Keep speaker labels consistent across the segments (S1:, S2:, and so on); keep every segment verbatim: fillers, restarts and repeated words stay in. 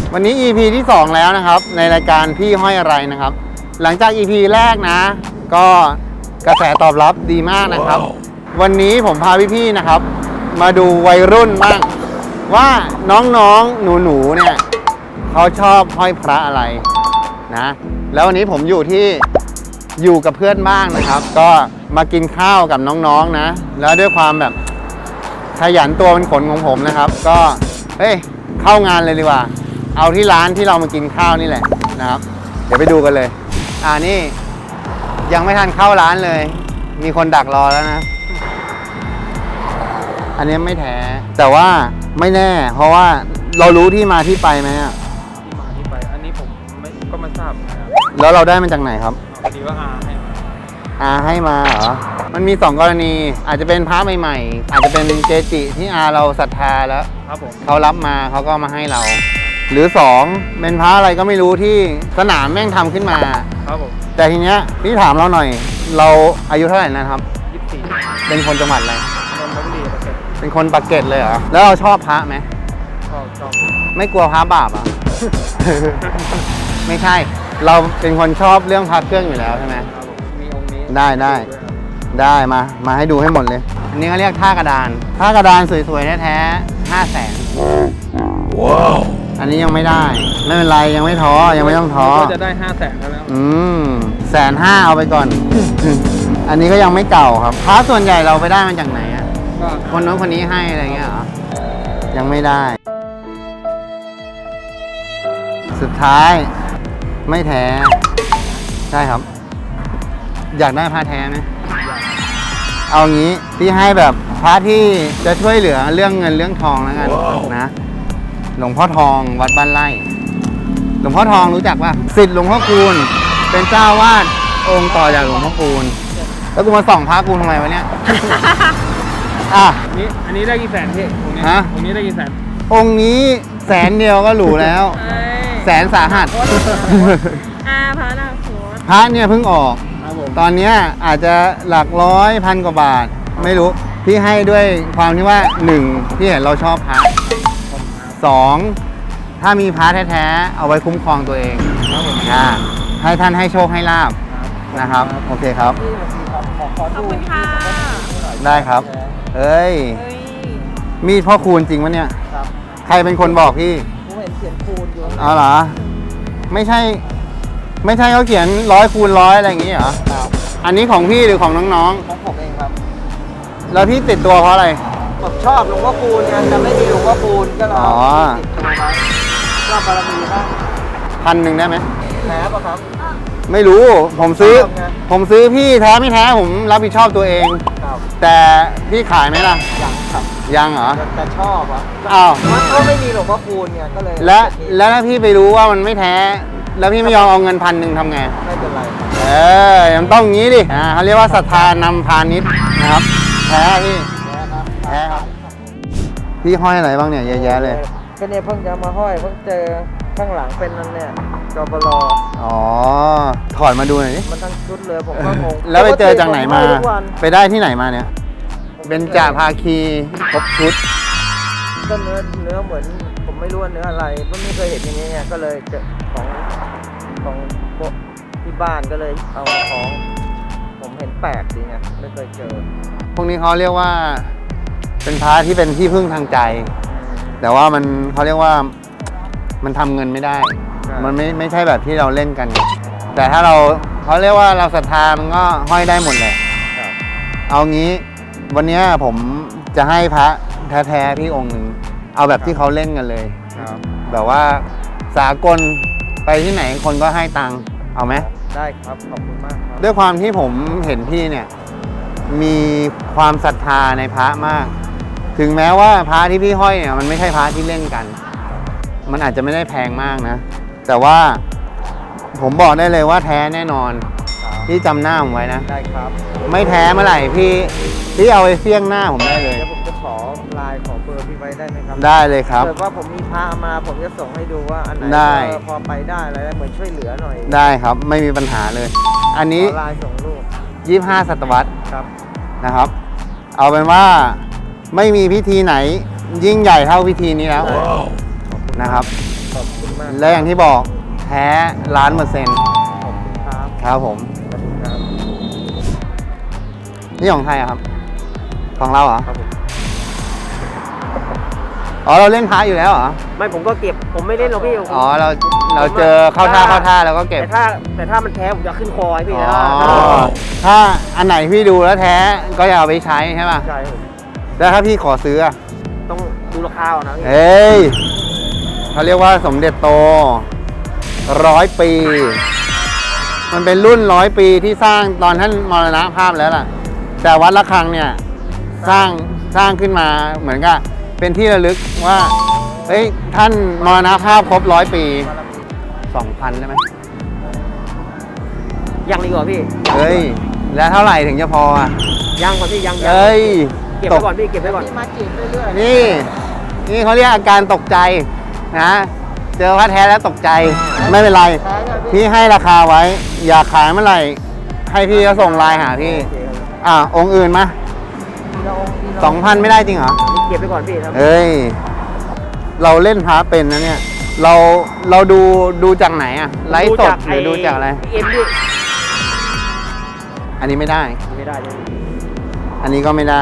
S1: วันนี้ อี พี ที่สองแล้วนะครับในรายการพี่ห้อยอะไรนะครับหลังจาก อี พี แรกนะก็กระแสตอบรับดีมากนะครับ wow. วันนี้ผมพาพี่ๆนะครับมาดูวัยรุ่นบ้างว่าน้องๆหนูๆเนี่ยเขาชอบห้อยพระอะไรนะแล้ววันนี้ผมอยู่ที่อยู่กับเพื่อนบ้างนะครับก็มากินข้าวกับน้องๆนะแล้วด้วยความแบบขยันตัวเป็นขนของผมนะครับก็เฮ้ยเข้างานเลยดีกว่าเอาที่ร้านที่เรามากินข้าวนี่แหละนะครับเดี๋ยวไปดูกันเลยอ่านี่ยังไม่ทันเข้าร้านเลยมีคนดักรอแล้วนะอันนี้ไม่แท้แต่ว่าไม่แน่เพราะว่าเรารู้ที่มาที่ไปไหมอะ
S2: ที่มาที่ไปอันนี้ผมไม่ก็ไม่ทราบนะครับ
S1: แล้วเราได้มาจากไหนครับ
S2: พอดีว่าอาให้มา
S1: อาให้มาเหรอมันมีสองกรณีอาจจะเป็นพระใหม่ๆอาจจะเป็นเกจิที่อาเราศรัทธาแล้ว
S2: ครับผม
S1: เขารับมาเขาก็มาให้เราหรือสองเป็นพระอะไรก็ไม่รู้ที่สนามแม่งทำขึ้นมา
S2: ครับผม
S1: แต่ทีเนี้ยพี่ถามเราหน่อยเราอายุเท่าไหร่นะครับ
S2: ยี่สิบสี่
S1: เป็นคนจังหวัดอะไร
S2: นนทบุรีปากเกร็ด
S1: เป็นคนปากเกร็ดเลยเหรอแล้วเราชอบพระไหม
S2: ชอบชอบ
S1: ไม่กลัวพระบาปอ่ะ ไม่ใช่เราเป็นคนชอบเรื่องพระเครื่องอยู่แล้วใช่ไหม
S2: มีองค์นี้
S1: ได้ได้ได้มามาให้ดูให้หมดเลยอันนี้เขาเรียกท่ากระดานท่ากระดานสวยๆแท้ๆห้าแสนว้าวอันนี้ยังไม่ได้ไม่เป็นไรยังไม่ท้อยังไม่ต้องท้อ
S2: ก็จะได้ห้าแสนแล้ว
S1: อืมแสนห้าเอาไปก่อน อันนี้ก็ยังไม่เก่าครับพระส่วนใหญ่เราไปได้มาจากไหนอ่ะคนโน้นคนนี้ให้อะไรเงี้ยเหรอยังไม่ได้สุดท้ายไม่แท้ใช่ครับอยากได้พระแท้ไหมเอางี้พี่ให้แบบพระที่จะช่วยเหลือเรื่องเงินเรื่องทองแล้วกัน wow. นะหลวงพ่อทองวัดบ้านไร่หลวงพ่อทองรู้จักป่ะศิษย์หลวงพ่อคูณเป็นเจ้าวาดองค์ต่อจากหลวงพ่อคูณแล้วกูมาส่องพระกูทำไมวะเนี่ย อ่ะ
S2: นี่อันนี้ได้กี่แสนพี่องค์นี้ฮะองค์นี้ได้กี่แสน
S1: องค์นี้แสนเดียวก็หรูแล้วแสนสาหัส
S3: อ่าพระนะ
S1: พระเนี่ยเพิ่งออกตอนนี้อาจจะหลักร้อยพันกว่าบาทไม่รู้พี่ให้ด้วยความที่ว่าหนึ่งพี่เห็นเราชอบพระสองถ้ามีพระแท้ๆเอาไว้คุ้มครองตัวเองนะให้ท่านให้โชคให้ลาภนะครับโอเคครับ
S3: ขอบคุณค่ะ
S1: ได้ครับเอ้ยมีดพ่อคูณจริงวะเนี่ยใครเป็นคนบอกพี่
S3: ผมเห็นเขียนคูณอยู่
S1: อ๋อเหรอไม่ใช่ไม่ใช่เขาเขียนร้อยคูณร้อยอะไรอย่างงี้เหรออันนี้ของพี่หรือของน้อง
S3: ๆของผมเองครับ
S1: แล้วพี่ติดตัวเพราะอะไร
S3: ผมชอบหลวงพ่อคูณไงแต่ไม่มีหลวงพ่อคูณก็เลยติดตัวไว้ก็บารมีบ้าง
S1: พันหนึ่งได้ไหม
S3: แท้ป่ะครับ
S1: ไม่รู้ผมซื้อผมซื้อพี่แท้ไม่แท้ผมรับผิดชอบตัวเองแต่พี่ขายไหมล่ะ
S3: ยังครับ
S1: ยังเหรอ
S3: แต่ชอบอ่ะ
S1: อ้าว
S3: มันก็ไม่มีหลวงพ่อคูณไงก็เลย
S1: แล้วแล้วถ้าพี่ไปรู้ว่ามันไม่แท้แล้วพี่ไม่ยอมเอาเงินพันหนึ่งทำไง
S3: ไม่เป็นไร
S1: เออยังต้องงี้ดิอ่าเขาเรียกว่าศรัทธานำพาณิชย์นะครับแท้พี่
S3: แท้ครับ
S1: แท้ครับพี่ห้อยอะไรบ้างเนี่ยเยอะแยะเลย
S3: ก็เนี่ยเพิ่งจะมาห้อยเพิ่งเจอข้างหลังเป็นนั่นเนี่ยจบล
S1: อ๋อถอดมาดูหน่อยดิ
S3: มันทั้งชุดเลยผมก็งง
S1: แล้วไปเจอจากไหนมาไปได้ที่ไหนมาเนี่ยเป็นจ่าภาคีครบชุด
S3: ก็เนื้อเนื้อเหมือนผมไม่รู้ว่าเนื้ออะไรก็ไม่เคยเห็นอย่างนี้เนี่ยก็เลยเจอของของที่บ้านก็เลยเอามาคล้องผมเห็นแปลกดีไงไม่เคยเจอ
S1: พวกนี้เขาเรียกว่าเป็นพระที่เป็นที่พึ่งทางใจแต่ว่ามันเขาเรียกว่ามันทำเงินไม่ได้มันไม่ไม่ใช่แบบที่เราเล่นกันแต่ถ้าเราเขาเรียกว่าเราศรัทธามันก็ห้อยได้หมดแหละเอางี้วันนี้ผมจะให้พระแท้ๆพี่องค์หนึ่งเอาแบบที่เขาเล่นกันเลยแบบว่าสากลไปที่ไหนคนก็ให้ตังค์เอาไหม
S3: ได้ครับขอบคุณมากครับ
S1: ด้วยความที่ผมเห็นพี่เนี่ยมีความศรัทธาในพระมากถึงแม้ว่าพระที่พี่ห้อยเนี่ยมันไม่ใช่พระที่เล่นกันมันอาจจะไม่ได้แพงมากนะแต่ว่าผมบอกได้เลยว่าแท้แน่นอนพี่จำหน้าผมไว้นะ
S3: ได้ครับ
S1: ไม่แท้เมื่อไหร่พี่พี่เอาไปเสี่ยงหน้าผมได้เลย
S3: เดี๋ยวผมจะขอไลน์ขอเบอร์พี่ไว้ได้ไหมครับ
S1: ได้เลยครับ
S3: เกิดว่าผมมีพระมาผมจะส่งให้ดูว่าอันไหนพอไปได้อะไรเหมือนช่วยเหลือหน่อย
S1: ได้ครับไม่มีปัญหาเลยอันนี้
S3: ไลน์ส่งรูป
S1: ยี่สิบห้าศตวรรษ
S3: ครับ
S1: นะครับเอาเป็นว่าไม่มีพิธีไหนยิ่งใหญ่เท่าพิธีนี้แล้วนะครับ
S3: ขอบคุณมาก
S1: และอย่างที่บอกแท้ล้านเปอร์เซ็นต์
S3: ขอบคุณครับ
S1: ครับผม
S3: ขอบคุณครับ
S1: นี่ของใครอะครับ ของเราเหรอ
S3: ครับผม
S1: อ๋อเราเล่นพระอยู่แล้วเหรอ
S3: ไม่ผมก็เก็บผมไม่เล่นหรอกพี่ผม
S1: อ๋อเราเราเจอเข้าท่าเข้าท่าแล้วก็เก็บ
S3: แต่ถ้าแต่ถ้ามันแท้ผมจะขึ้นคอให้พี่
S1: อ๋
S3: นะ
S1: อถ้าอันไหนพี่ดูแล้วแท้ก็อย่าเอาไปใช้ใช่ป่ะ
S3: ใช่ผม
S1: แล้วถ้าพี่ขอซื้ออะ
S3: ต้องดูราคาก่อนนะพี่
S1: เอ้ยเขาเรียกว่าสมเด็จโตร้อยปี มันเป็นรุ่นร้อยปีที่สร้างตอนท่านมรณภาพแล้วล่ะ แต่วัดระฆังเนี่ยสร้างสร้างขึ้นมาเหมือนกับเป็นที่ระลึกว่าเฮ้ยท่านมรณภาพครบร้อยปีสองพันได้ไหม
S3: ยังดีกว่าพี่
S1: เฮ้ย แล้วเท่าไหร่ถึงจะพออ่ะ
S3: ยังก่อนพี่ยังยัง
S1: เอ้ย
S3: เก็บ
S1: ต
S3: ไว้
S1: ก
S3: ก่อนพี่เก็บไว้ก่อนมาจีบเรื่อย
S1: นี่ นี่เขาเรียกอาการตกใจนะ เจอพระแท้แล้วตกใจ ไม่เป็นไร พี่ให้ราคาไว้ อยากขายเมื่อไหร่ ให้พี่ก็ส่งไลน์หาพี่ อ่าองค์อื่นมาสองพันไม่ได้จริงเหรอ
S3: เก็บไว้ก่อนพี่ครับ
S1: เฮ้ย เราเล่นพระเป็นนะเนี่ย เราเราดูดูจากไหนอะไลฟ์สดหรือดูจากอะไร
S3: เอ็มพี่
S1: อันนี้ไม่ได้
S3: ไม่ได้เลย
S1: อันนี้ก็ไม่ได้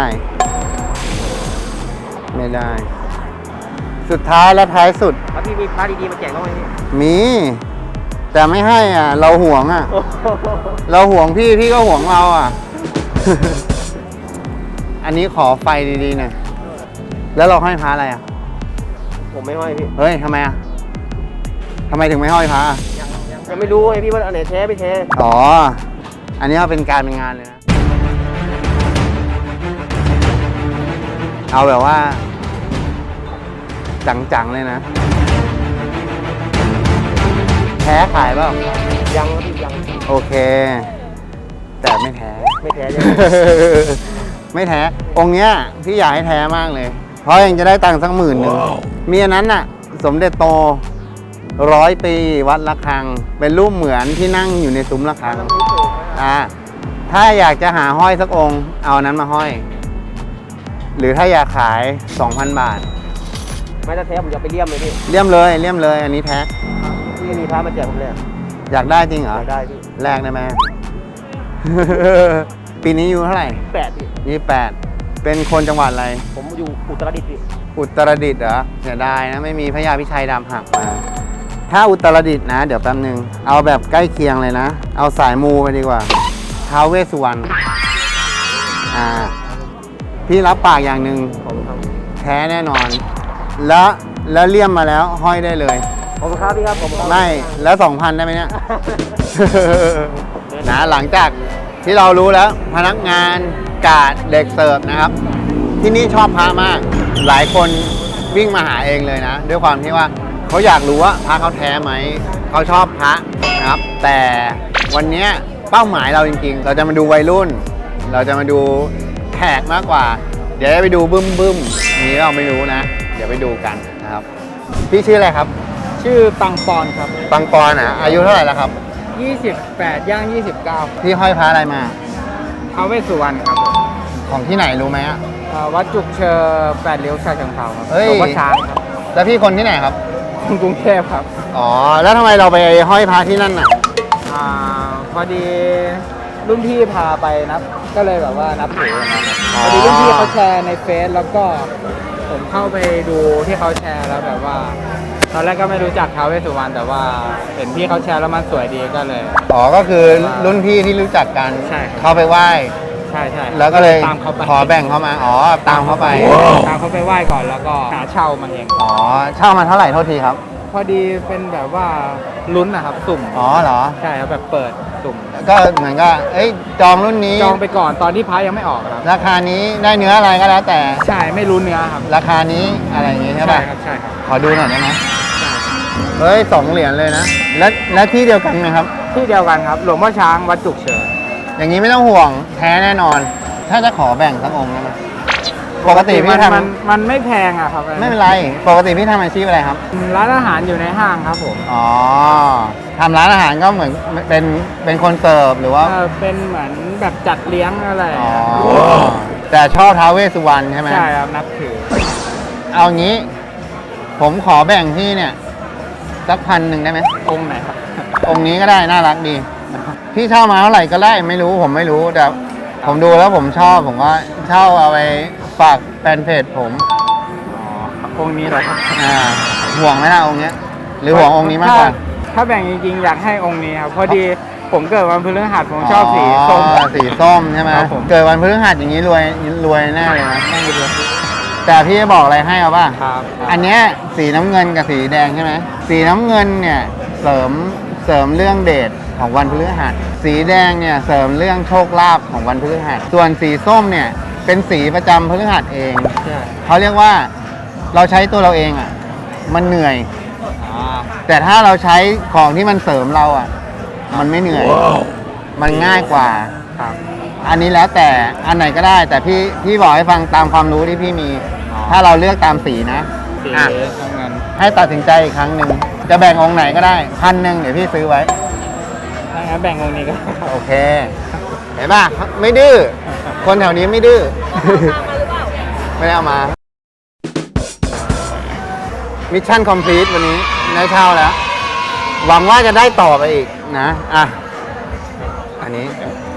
S1: ไม่ได้ สุดท้ายและท้ายสุด
S3: แล้วพี่มีพาร์ทดีๆมาแจกบ้างไหมพี่
S1: มี แต่ไม่ให้อ่ะ เราห่วงอ่ะ
S3: โอ้โห
S1: เราห่วงพี่พี่ก็ห่วงเราอ่ะ อันนี้ขอไฟดีๆหน่อยแล้วเราห้อยพระอะไรอ่ะ
S3: ผมไม่ห้อยพี่
S1: เฮ้ยทำไมอ่ะทำไมถึงไม่ห้อยพระอ่ะ
S3: ยังยังยังไม่รู้ไงพี่ว่าอันไหนแท้ไม่แท้
S1: อ๋อ อันนี้เอาเป็นการเป็นงานเลยนะ เอาแบบว่า จังๆเลยนะ แท้ขายเปล่า
S3: ยังพี่ยัง
S1: โอเค แต่ไม่แท้
S3: ไม่แท้เลย
S1: ไม่แท้ องค์เนี้ยพี่อยากให้แท้มากเลย เพราะยังจะได้ตังค์สักหมื่นหนึ่ง มีอันนั้นน่ะ สมเด็จโตร้อยปีวัดระฆัง เป็นรูปเหมือนที่นั่งอยู่ในซุ้มระฆัง อ่า ถ้าอยากจะหาห้อยสักองค์ เอาอันนั้นมาห้อย หรือถ้าอยากขาย สองพัน บาท
S3: ไม่ถ้าแท้ผมจะไปเลี่ยมเลยพี่
S1: เลี่ยมเลย เลี่ยมเลย อันนี้แท้
S3: พี่มีพระมาแจกผมเลยอะ
S1: อยากได้จริงเหรอ
S3: อยากได้พี่
S1: แลกได้ไหม ปีนี้อยู่เท่าไหร่
S3: แปดพี่
S1: ยี่แปด เป็นคนจังหวัดอะไร
S3: ผมอยู่อุตรดิตถ์พี่
S1: อุตรดิตถ์เหรอเสียดายนะ ไม่มีพระยาพิชัยดำหักมา ถ้าอุตรดิตถ์นะ เดี๋ยวแป๊บนึง เอาแบบใกล้เคียงเลยนะ เอาสายมูไปดีกว่าท้าวเวสสุวรรณ อ่า พี่รับปากอย่างหนึ่ง
S3: ขอบคุณครับ
S1: แท้แน่นอน แล้วแล้วเลี่ยมมาแล้วห้อยได้เลย
S3: ขอบคุณครับพี่ครับขอบคุณครับ
S1: ไม่ แล้วสองพันได้ไหมเนี่ย นะหลังจากที่เรารู้แล้วพนักงานกาดเด็กเสิร์ฟนะครับ ที่นี่ชอบพระมาก หลายคนวิ่งมาหาเองเลยนะ ด้วยความที่ว่าเขาอยากรู้ว่าพระเขาแท้ไหม เขาชอบพระนะครับ แต่วันเนี้ยเป้าหมายเราจริงๆ เราจะมาดูวัยรุ่น เราจะมาดูแขกมากกว่า เดี๋ยวจะไปดูบึ้มบึ้มๆนี้เราไม่รู้นะ เดี๋ยวไปดูกันนะครับ พี่ชื่ออะไรครับ
S2: ชื่อปังปอนครับ
S1: ปังปอนอ่ะอายุเท่าไหร่แล้วครับ
S2: ยี่สิบแปดย่างยี่สิบเก้า
S1: พี่ห้อยพระอะไรมา
S2: ท้าวเวสสุวรรณครับผม
S1: ของที่ไหนรู้ไหมอ่ะ
S2: เอ่อวัดจุกเชอแปดเลี้ยวชาเชิงเทราครับ
S1: เฮ้ย
S2: หลวงพ่อช้างครับ
S1: แล้วพี่คนที่ไหนครับ
S2: กรุงเทพครับ
S1: อ๋อ แล้วทำไมเราไปห้อยพระที่นั่นน่ะ
S2: อ่าพอดีรุ่นพี่พาไปนับ ก็เลยแบบว่านับถือนะครับ
S1: อ๋อ
S2: พอดีรุ่นพี่เขาแชร์ในเฟซแล้วก็ผมเข้าไปดูที่เขาแชร์แล้วแบบว่า ตอนแรกก็ไม่รู้จักท้าวเวสสุวรรณแต่ว่าเห็นพี่เขาแชร์แล้วมันสวยดีก็เลย
S1: อ๋อ ก็คือรุ่นพี่ที่รู้จักกัน
S2: ใช่ครับ
S1: เข้าไปไหว้
S2: ใช่ใช่
S1: แล้วก็เลย
S2: ตามเขาไป
S1: ขอแบ่งเข้ามา อ๋อ ตามเข้าไป
S2: ตามเขาไปไหว้ก่อนแล้วก็หาเช่ามันเอง
S1: อ๋อ เช่ามาเท่าไหร่โทษทีครับ
S2: พอดีเป็นแบบว่าลุ้นนะครับสุ่ม
S1: อ๋อเหรอ
S2: ใช่ครับแบบเปิดสุ่ม
S1: ก็เหมือนก็เอ้ย จองรุ่นนี้
S2: จองไปก่อนตอนที่พระยังไม่ออกครับ
S1: ราคานี้ได้เนื้ออะไรก็แล้วแต่
S2: ใช่ไม่รู้เนื้อครับ
S1: ราคานี้อะไรอย่างงี้ใช่ป่ะ
S2: ครับใช่ครับ
S1: ขอดูหน่อยได้ไหม
S2: ใช่ครับ
S1: เฮ้ยสองเหรียญเลยนะ และและที่เดียวกันไหมครับ
S2: ที่เดียวกันครับหลวงพ่อช้างวัดจุกเฉิน
S1: อย่างนี้ไม่ต้องห่วงแท้แน่นอน ถ้าจะขอแบ่งสักองค์ได้ไหมปกติพี่
S2: มัน
S1: ท
S2: มันมันไม่แพงอะครับ
S1: ำไม่เป็นไร ปกติพี่ทำอาชีพอะไรครับ
S2: ร้านอาหารอยู่ในห้างครับผม
S1: อ๋อทำร้านอาหารก็เหมือนเป็นเป็นคนเสิร์ฟหรือว่า
S2: เออเป็นเหมือนแบบจัดเลี้ยงอะไรอย่าง
S1: อ๋อ
S2: เงี้ย
S1: แต่ชอบท้าวเวสสุวรรณใช่ไหม
S2: ใช่ครับนับถือ
S1: เอางี้ ผมขอแบ่งที่เนี่ยสักพันหนึ่งได้ไหม
S2: องค์ไหนครับ
S1: องค์นี้ก็ได้น่ารักดี พี่เช่ามาเท่าไหร่ก็ได้ไม่รู้ผมไม่รู้แต่ผมดูแล้วผมชอบผมก็เช่าเอาไปฝากแฟนเพจผม
S2: อ๋อองค์นี้เหรอครับ
S1: อ่าห่วงไหมล่ะองค์เนี้ย หรือห่วงองค์นี้มากกว่า
S2: ถ้ถ้าแบ่งจริงๆอยากให้องค์นี้ครับพอดีผมเกิดวันพฤหัสผมชอบสีส้ม
S1: อ๋อสีส้มใช่ไหม
S2: ครับผม
S1: เกิดวันพฤหัสอย่างนี้รวยรวยแน่เลยนะ
S2: ไม่รู้
S1: แต่พี่จะบอกอะไรให้เอาป่ะ
S2: ครับ
S1: อันเนี้ยสีน้ำเงินกับสีแดงใช่ไหมสีน้ำเงินเนี่ยเสริมเสริมเรื่องเดชของวันพฤหัสสีแดงเนี่ยเสริมเรื่องโชคลาภของวันพฤหัสส่วนสีส้มเนี่ยเป็นสีประจำพฤหัสเอง
S2: ใช่
S1: เขาเรียกว่าเราใช้ตัวเราเองอ่ะมันเหนื่อย
S2: อ๋อ
S1: แต่ถ้าเราใช้ของที่มันเสริมเราอ่ะมันไม่เหนื่อย มันง่ายกว่า
S2: ครับ
S1: อันนี้แล้วแต่อันไหนก็ได้ แต่พี่พี่บอกให้ฟังตามความรู้ที่พี่มี
S2: อ๋อ
S1: ถ้าเราเลือกตามสีนะ
S2: สี
S1: อ่ะ
S2: น้ำเงิน
S1: ให้ตัดสินใจอีกครั้งหนึ่งจะแบ่งองค์ไหนก็ได้พันหนึ่งเดี๋ยวพี่ซื้อไว้
S2: ถ้างั้นแบ่งองค์นี้ก็
S1: โอเค เห็นป่ะไม่ดื้อคนแถวนี้ไม่ดื้อ ไม่ได้เอามามิชชั่นคอมพลีทวันนี้ได้เช่าแล้ว หวังว่าจะได้ต่อไปอีกนะอ่ะอันนี้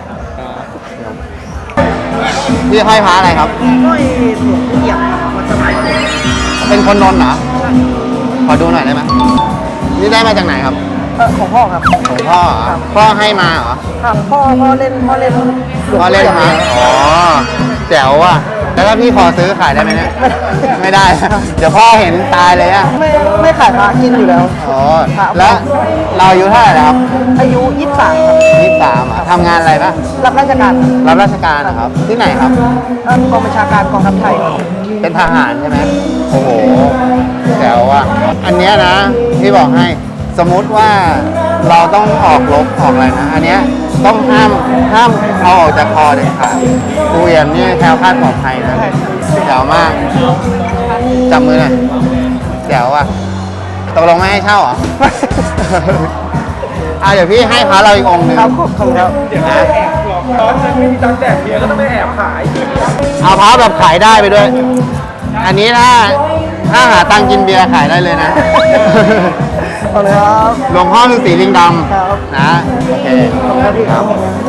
S1: พี่ห้อยพระอะไรครับ
S3: ก็ไอ้หลวงปู่เอี่ยมมันสมัยผม
S1: เป็นคนนนท์เหรอขอดูหน่อยได้ไหมนี่ได้มาจากไหนครับ
S3: เออของพ่อครับ
S1: ของพ่อเหรอพ่อให้มาเหรอ
S3: ครับพ่อพ่อเล่นพ่อเล่นหวง
S1: พ่อเล่น
S3: ปู่
S1: มา
S3: อี่ย
S1: อ๋อแจ๋วว่ะแล้วถ้าพี่ขอซื้อขายได้ไหมเนี่ยไม่ได้ เดี๋ยวพ่อเห็นตายเลยอ่ะ
S3: ไม่ไม่ขายพระกินอยู่แล้ว
S1: อ๋อแล้วเราอายุเท่าไหร่แล้วครับ
S3: อายุยี่สิบสามครับ
S1: ยี่สิบสามอ่ะทำงานอะไรปะ
S3: รับราชการ
S1: รับราชการนะครับ ที่ไหนครับ
S3: เอ่อกองบัญชาการกองทัพไทย
S1: เป็นทหารใช่ไหมโอ้โหแจ๋วอ่ะอันเนี้ยนะพี่บอกให้สมมุติว่าเราต้องออกรบออกอะไรนะอันเนี้ยต้องห้ามห้ามเอาออกจากคอเด็ดขาดกูเอี่ยมนี่แคล้วคลาดปลอดภัยนะแจ๋วมากจับมือหน่อยแจ๋วอ่ะตกลงไม่ให้เช่าเหรอ อ่ะเดี๋ยวพี่ให้พระเราอีกองค์หนึ่ง
S3: ครับขอบคุณครับ
S1: นะ
S2: ตอนนั้นไม่มีตังค์แจกเบียร์ก็ต้องไม่แอบขาย
S1: เอาพระแบบขายได้ไปด้วย อันนี้ถ้าถ้าหาตังค์กินเบียร์ขายได้เลยนะ
S3: ขอบคุณครับ
S1: หลวงพ่อฤาษีลิงด
S3: ครับ
S1: ำนะโอเค
S3: ขอบคุณครับพี่ครับ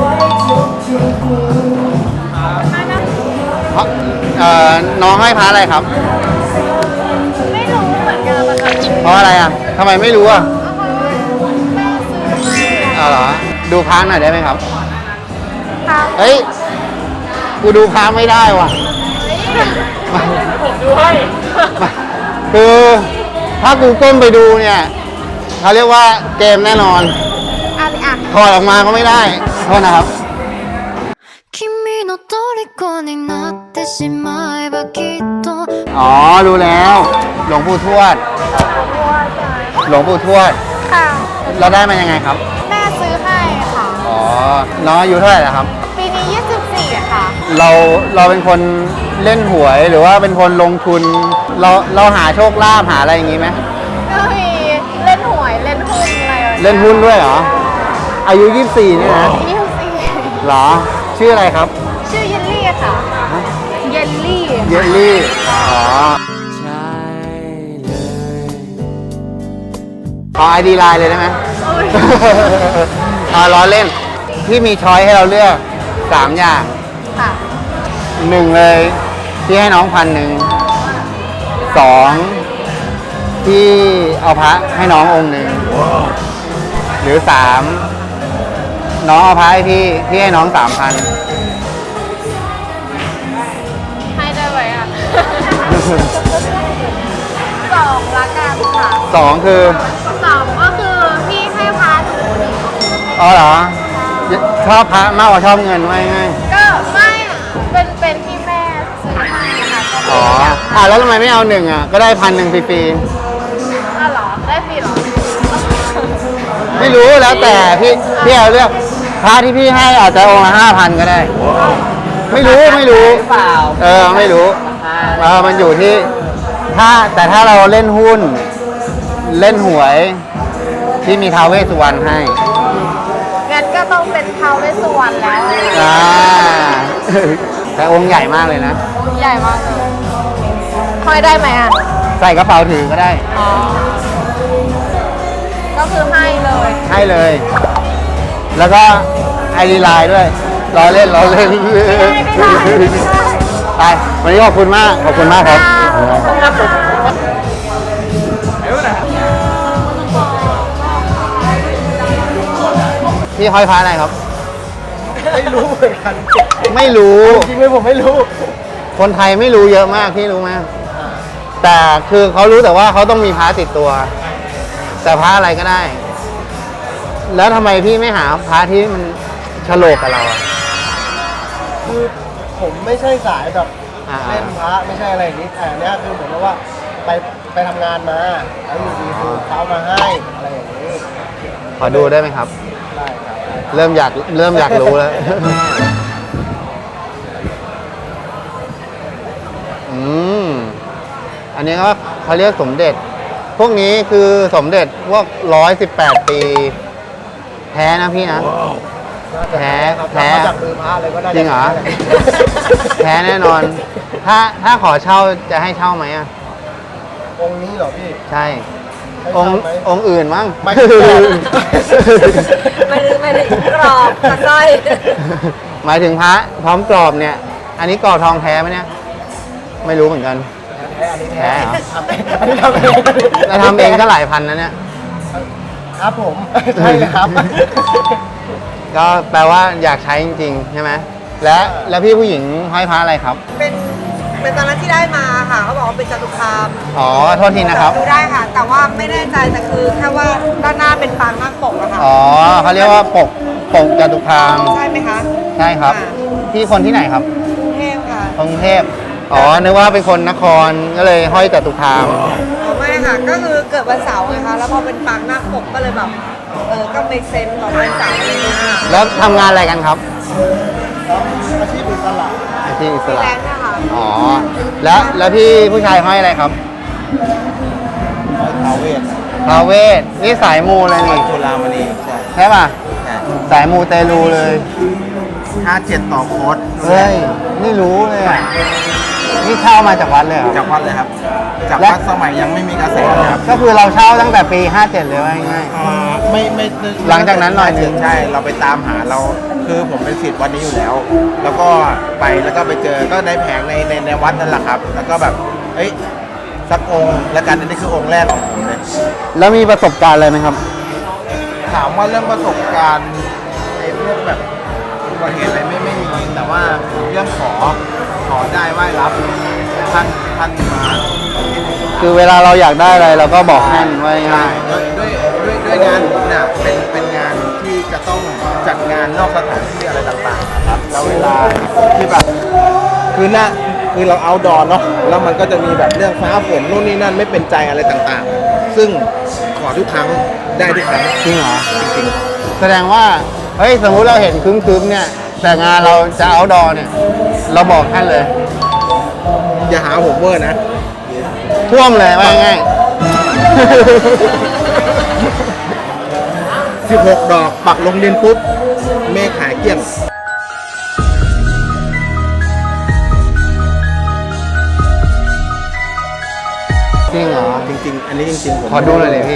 S1: เพราะเอ่อน้องให้พระอะไรครับ
S4: ไม่รู้เหมือนกันนะคะ
S1: เพราะอะไรอ่ะทำไมไม่รู้อ่ะเอาเหรอดูพระหน่อยได้ไหมครับ
S4: ค่ะ
S1: เฮ้ยกูดูพระไม่ได้ว่ะ
S4: ผมดูให้
S1: คือถ้ากูก้มไปดูเนี่ยเขาเรียกว่าเกมแน่นอน
S4: อันอ่ะ
S1: ถอดออกมาก็ไม่ได้โทษนะครับ
S5: 君の虜になってしまえばきっと
S1: อ๋อรู้แล้ว หลวงปู่ทวด หลวงปู่ทวด
S4: ค่ะ
S1: เราได้มายังไงครับ
S4: แม่ซื้อให้ค่ะ
S1: อ๋อ น้องอายุเท่าไหร่แล้วครับ
S4: ปีนี้ยี่สิบสี่ค่ะ
S1: เราเราเป็นคนเล่นหวยหรือว่าเป็นคนลงทุน เราเราหาโชคลาภหาอะไรอย่างงี้ไหม
S4: ก็มีเล่นหวยเล่นหุ้นอะไรแบบ
S1: เล่นหุ้นด้วยเหรอ อายุยี่สิบสี่เนี่ยนะ
S4: ยี่สิบสี่
S1: เหรอ ชื่ออะไรครับ
S4: ชื่อเยลลี่ค่ะ เยลลี่
S1: เยลลี่ อ๋อขอไอดีไลน์เลยได้ไหม อ่าล้อเล่น ที่มีช้อยให้เราเลือกสามอย่าง
S4: ค่ะ
S1: หนึ่งเลยที่ให้น้องพันหนึ่งสองที่เอาพระให้น้ององค์หนึ่งหรือสามน้องเอาพระให้พี่พี่ให้น้องสามพัน
S4: ให้ได้ไหมอ่ะ สองละกันค่ะ
S1: สองคือ
S4: สองก็คือพี่ให้พาหนูหนึ่ง
S1: อ๋อเหรอ ชอบพระมากกว่าชอบเงินไว้ไง
S4: ก็ไม่อะเป็นเป็นที่แม่ซื้อให้ค่ะก็
S1: อ๋อ
S4: ไม่อยาก
S1: อ่ะแล้วทำไมไม่เอาหนึ่งอ่ะ ก็ได้พันหนึ่งฟรี
S4: อ๋อเหรอ ได้ฟรีเหรอ
S1: ๆไม่รู้แล้วแต่พี่พี่เอาเลือกพระที่พี่ให้อาจจะองค์ละห้าพันก็ได้ ไม่รู้ไม่รู้
S3: หรือเปล่า
S1: เออไม่รู้เออมันอยู่ที่ถ้าแต่ถ้าเราเล่นหุ้น เล่นหวยที่มีท้าวเวสสุวรรณให้
S4: งั้นก็ต้องเป็นท้าวเวสสุวรรณแล้ว
S1: อ่า แต่องค์ใหญ่มากเลยนะ
S4: ใหญ่มากเลยห้อยได้ไหมอ่ะ
S1: ใส่กระเป๋าถือก็ได้
S4: อ๋อก็คือให้เลย
S1: ให้เลย แล้วก็ไอรีไลน์ด้วยล้อเล่นล้อเล่น
S4: ไม่ได้ไม่ได้ไม่ได้
S1: ไปวันนี้ขอบคุณมากขอบคุณมากครับพี่ห้อยพระอะไรครับ
S3: ไม่รู้เหมือนกัน
S1: ไม่รู้
S3: จริงไหมผมไม่รู้
S1: คนไทยไม่รู้เยอะมากพี่รู้ไหมแต่คือเขารู้แต่ว่าเขาต้องมีพระติดตัว แต่พระอะไรก็ได้ แล้วทำไมพี่ไม่หาพระที่มันฉลกกับเราอะ
S3: คือผมไม่ใช่สายแบบ
S1: อ่า
S3: เล่นพระไม่ใช่อะไรอย่างนี้แต่อันเนี้ยคือเหมือนกับว่าไปไปทำงานมาแล้วอยู่ดีคือเขามาให้อะไรอย่างนี้
S1: ขอดูได้ไหมครับ
S3: ได้ครับ
S1: เริ่มอยากเริ่มอยากรู้แล้ว อืม อันนี้ก็เขาเรียกสมเด็จ พวกนี้คือสมเด็จพวกร้อยสิบแปดปี แท้นะพี่นะ
S3: น่าจะ
S1: แท้
S3: ครับ
S1: แท้
S3: มาจากมือพระเลยก็น่าจะ
S1: จริงเหรอ แท้แน่นอน ถ้าถ้าขอเช่าจะให้เช่าไหมอ่ะ
S3: องค์นี้เหรอพี่
S1: ใช่
S3: ให้
S1: อง
S3: เช่า
S1: ค์
S3: ไหม
S1: องค์อื่นมั้ง
S3: ไม่ถึงกรอบ
S4: ไม่ได้ไม่ได้กรอบกระสร้อย
S1: หมายถึงพระพร้อมกรอบเนี่ย อันนี้กรอบทองแท้ไหมเนี่ย ไม่รู้เหมือนกัน
S3: แท้อันนี้
S1: แท้เหรอ
S3: ทำเองอันนี้ทำเอง
S1: แล้วทำเองก็หลายพันนะเนี่ย
S3: ครับผม ใช่เลยครับ
S1: ก็แปลว่าอยากใช้จริงๆ ใช่ไหม และแล้วพี่ผู้หญิงห้อยพระอะไรครับ
S6: เป็นเป็นตอนนั้นที่ได้มาค่ะเขาบอกว่าเป็นจตุคาม
S1: อ๋อ โทษทีนะครับ
S6: ดูได้ค่ะ แต่ว่าไม่แน่ใจแต่คือแค่ว่าด้านหน้าเป็นปางนาคปกอะค่ะ
S1: อ๋อเขาเรียกว่าปกปกจตุคาม
S6: ใช่ไหมคะ
S1: ใช่ครับ
S6: ค่ะ
S1: พี่คนที่ไหนครับ
S6: กรุงเทพค่ะ
S1: กรุงเทพ อ๋อ นึกว่าเป็นคนนคร ก็เลยห้อยจตุคาม
S6: อ๋อไม่ค่ะ ก็คือเกิดวันเสาร์ไงคะแล้วพอเป็นปางนาคปกก็เลยแบบเออก็ make sense ของวันเสาร์อะไรอย่างเงี้ยค่ะ
S1: แล้วทำงานอะไรกันครับ
S3: อาชีพอิสระ
S1: อาชีพอิส
S6: ฟรี
S1: ระ
S6: แลนซ์นะคะ
S1: อ๋อ แล้วแล้วพี่ผู้ชายห้อยอะไรครับ
S3: ท้าวเวส
S1: ทาเวศนี่สายมูเลยนี่
S3: จุฬามณีใช่
S1: ใช่ป่ะ สายมูเตลูเลย
S3: ห้าเจ็ดต่อโค้ด
S1: เฮ้ย นี่รู้เลยอะนี่เช่ามาจากวัดเลยเหรอ
S3: จากวัดเลยครับ จาก
S1: และ
S3: วัดสมัยยังไม่มีกระแสครับ
S1: ก็คือเราเช่าตั้งแต่ปี ห้าเจ็ด เลยว่าง่าย
S3: อ่าไม่ไม่
S1: หลังจากนั้นหน่อยนึง
S3: ใช่เราไปตามหาเราคือผมเป็นศิษย์วัดนี้อยู่แล้ว แล้วก็ไปแล้วก็ไปเจอก็ได้แผงในในในวัดนั่นแหละครับ แล้วก็แบบเอ้ยสักองค์แล้วกันอันนี้คือองค์แรกของผมเลย
S1: ๆแล้วมีประสบการณ์อะไรไหมครับ
S3: ถามว่าเรื่องประสบการณ์ไอ้พวกแบบอุบัติเหตุอะไรไม่ไม่มีแต่ว่าเรื่องขอขอได้ไหว้รับท่านท่านมา
S1: คือเวลาเราอยากได้อะไรเราก็บอกท่านไว้ง่าย
S3: ด้วยด้วยด้วยด้วยงานผมเนี่ยเป็นเป็นงานที่จะต้องจัดงานนอกสถานที่อะไรต่างๆนะครับแล้วเวลาที่แบบคือหน้าคือเราเอาดอนเนาะแล้วมันก็จะมีแบบเรื่องฟ้าฝนนู่นนี่นั่นไม่เป็นใจอะไรต่างๆ ซึ่งขอทุกครั้งได้ทุกครั้ง
S1: จริงเหรอ
S3: จริง
S1: แสดงว่า เฮ้ย สมมุติเราเห็นคึ้มๆเนี่ย แต่งานเราจะเอาดอเนี่ย เราบอกท่านเลย
S3: ๆอย่าหาผมเวอร์นะ
S1: ท่วมเลยว่าง่าย
S3: สิบหก ดอกปักลงดินปุ๊บเมฆหายเกลี้ยง
S1: จริงเหรอ
S3: จริงๆ อันนี้จริงๆผม
S1: ขอดูหน่อยเลยพี่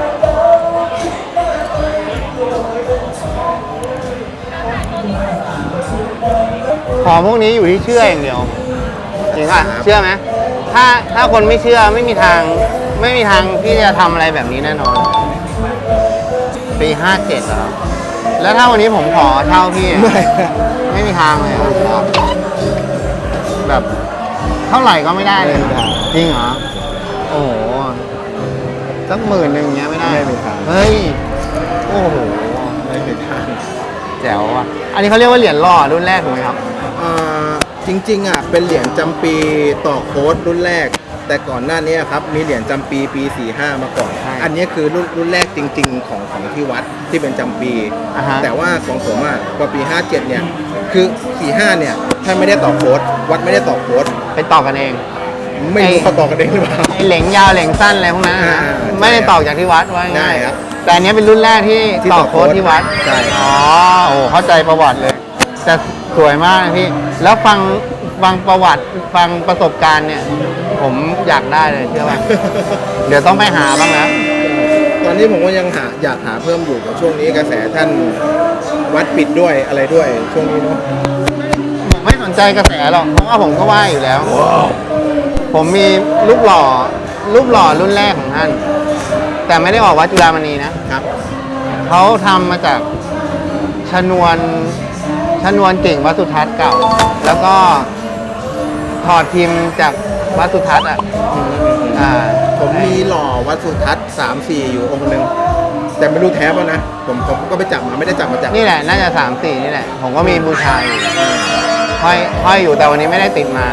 S1: ของพวกนี้อยู่ที่เชื่ออย่างเดียว จริงป่ะ เชื่อไหม ถ้าถ้าคนไม่เชื่อไม่มีทาง ไม่มีทางที่จะทำอะไรแบบนี้แน่นอน ปีห้าเจ็ดแล้ว แล้วถ้าวันนี้ผมขอเช่าพี่อะ
S3: ไม่
S1: ไม่มีทางเลยอะแบบเท่าไหร่ก็ไม่ได้เลยเหรอจริงเหรอ โอ้โห สักหมื่นหนึ่งเงี้ยไม่ได้
S3: ไม่มีทาง
S1: เฮ้ย โอ้โห
S3: ไม่เป็นทาง
S1: แจ๋วอ่ะ อันนี้เขาเรียกว่าเหรียญหล่อรุ่นแรกถูกไหมครับ
S3: อ่าจริงๆอ่ะเป็นเหรียญจำปีต่อโค้ดรุ่นแรก แต่ก่อนหน้านี้ครับมีเหรียญจำปีปี สี่ห้า มาก่อน
S1: ใช่
S3: อันนี้คือรุ่นรุ่นแรกจริง ๆ ของของที่วัดที่เป็นจำปี
S1: อ่าฮะ
S3: แต่ว่าของผมอ่ะพอปี ห้าเจ็ด เนี่ย คือ สี่ห้า เนี่ยถ้าไม่ได้ต่อโค้ดวัดไม่ได้ต่อโค้ด
S1: ไปต่อกันเอง
S3: ไม่รู้เขาต่อกันเองหรือเปล่า
S1: ไอเหลงยาวเหลงสั้นอะไรพวกนั้นนะ
S3: อ่า
S1: ไม่ได้ต่อจากที่วัดว่าง่าย
S3: ได้ครับ
S1: แต่อันนี้เป็นรุ่นแรกที่
S3: ที่
S1: ต่อ
S3: ต่อ
S1: โค้ดที่วัด
S3: ใช่
S1: อ๋อ โอ้เข้าใจประวัติเลย แต่สวยมากนะพี่ แล้วฟังฟังประวัติฟังประสบการณ์เนี่ย ผมอยากได้เลยเชื่อป่ะ เดี๋ยวต้องไปหาบ้างนะ
S3: ตอน
S7: อนนี้ผมก็ยังหาอยากหาเพิ่มอยู่แต่ช่วงนี้กระแสท่านวัดปิดด้วยอะไรด้วยช่วงนี้เนาะ
S1: ผมไม่สนใจกระแสหรอกเพราะว่าผมก็ไหว้อยู่แล้ว ผมมีรูปหล่อรูปหล่อรุ่นแรกของท่าน แต่ไม่ได้ออกวัดจุฬามณีนะครับ เขาทำมาจากชนวนชนวนเก่งวัดสุทัศน์เก่า แล้วก็ถอดพิมพ์จากวัดสุทัศน์อ่ะอ่า
S7: ผมมีหล่อวัดสุทัศน์สามสี่อยู่องค์หนึ่งแต่ไม่รู้แท้ป่ะนะผมผมก็ไปจับมาไม่ได้จับมาจาก
S1: นี่แหละน่าจะสามสี่นี่แหละ ผมก็มีบูชาอยู่ห้อยห้อยอยู่แต่วันนี้ไม่ได้ติดมา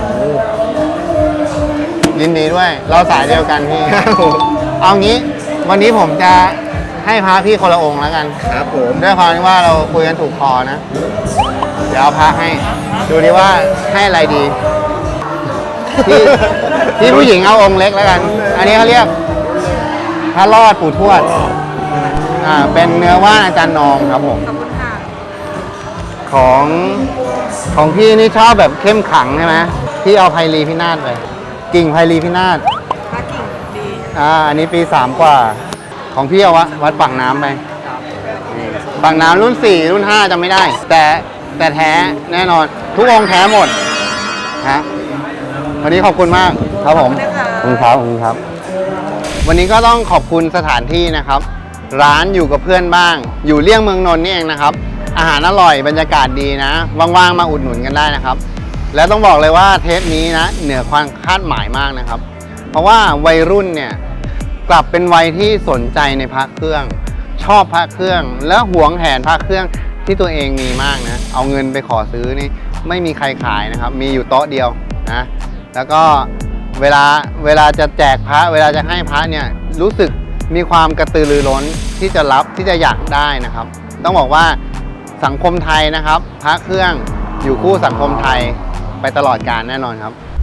S1: ยินดีด้วย เราสายเดียวกันพี่ เอางี้วันนี้ผมจะให้พระพี่คนละองค์แล้วกัน
S7: ครับผม
S1: ด้วยความที่ว่าเราคุยกันถูกคอนะ เดี๋ยวเอาพระให้ ดูดิว่าให้อะไรดี ที่ที่ผู้หญิงเอาองค์เล็กแล้วกัน อันนี้เขาเรียกพระรอดปู่ทวด อ่า เป็นเนื้อว่านอาจารย์นองครับผม
S6: ขอบคุณค่ะ
S1: ของของพี่นี่ชอบแบบเข้มขังใช่ไหมพี่เอาไพลีพินาศไป กิ่งไพลีพินาศ
S6: พระกิ่งดี
S1: อ่า อันนี้ปีสามกว่า ของพี่เอาวะวัดปากน้ำไปปากน้ำรุ่นสี่รุ่นห้าจำไม่ได้ แต่แต่แท้แน่นอน ทุกองค์แท้หมดฮะวันนี้ขอบคุณมากครับผม ขอบคุณครับขอบคุณครับ วันนี้ก็ต้องขอบคุณสถานที่นะครับ ร้านอยู่กับเพื่อนบ้าง อยู่เลี่ยงเมืองนนท์นี่เองนะครับ อาหารอร่อยบรรยากาศดีนะว่างๆมาอุดหนุนกันได้นะครับ แล้วต้องบอกเลยว่าเทปนี้นะเหนือความคาดหมายมากนะครับ เพราะว่าวัยรุ่นเนี่ยกลับเป็นวัยที่สนใจในพระเครื่อง ชอบพระเครื่อง และหวงแหนพระเครื่องที่ตัวเองมีมากนะเอาเงินไปขอซื้อนี่ไม่มีใครขายนะครับ มีอยู่โต๊ะเดียวนะแล้วก็เวลาเวลาจะแจกพระ เวลาจะให้พระเนี่ยรู้สึกมีความกระตือรือร้นที่จะรับที่จะอยากได้นะครับ ต้องบอกว่าสังคมไทยนะครับ พระเครื่องอยู่คู่สังคมไทยไปตลอดกาลแน่นอนครับ